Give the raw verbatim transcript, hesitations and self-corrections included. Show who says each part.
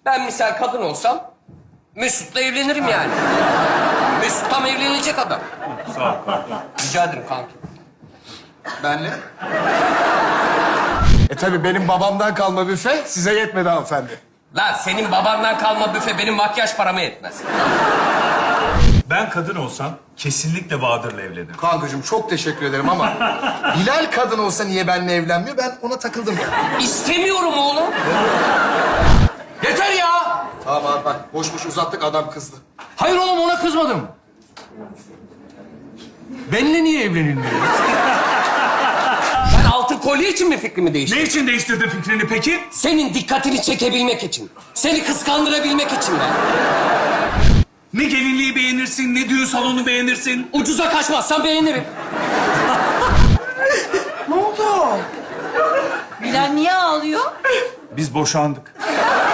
Speaker 1: Ben misal kadın olsam Mesut'la evlenirim yani. Mesut tam evlenilecek adam.
Speaker 2: Sağ ol kanka.
Speaker 1: Rica ederim kanki.
Speaker 3: Benle? E tabii benim babamdan kalma büfe size yetmedi hanımefendi.
Speaker 1: Lan senin babandan kalma büfe benim makyaj parama yetmez.
Speaker 2: Ben kadın olsam kesinlikle Bahadır'la evlenirim.
Speaker 3: Kankacığım çok teşekkür ederim ama Bilal kadın olsa niye benimle evlenmiyor? Ben ona takıldım ya.
Speaker 1: İstemiyorum oğlum. Yeter ya.
Speaker 3: Tamam abi bak boş boş uzattık adam kızdı.
Speaker 4: Hayır oğlum ona kızmadım. Benimle niye evlenilmiyor?
Speaker 1: Ben altın kolye için mi fikrimi değiştirdim?
Speaker 2: Ne için değiştirdin fikrini peki?
Speaker 1: Senin dikkatini çekebilmek için. Seni kıskandırabilmek için ben.
Speaker 2: Ne gelinliği beğenirsin, ne düğün salonu beğenirsin.
Speaker 1: Ucuza kaçmazsan beğenirim.
Speaker 5: Bilal niye ağlıyor?
Speaker 2: Biz boşandık.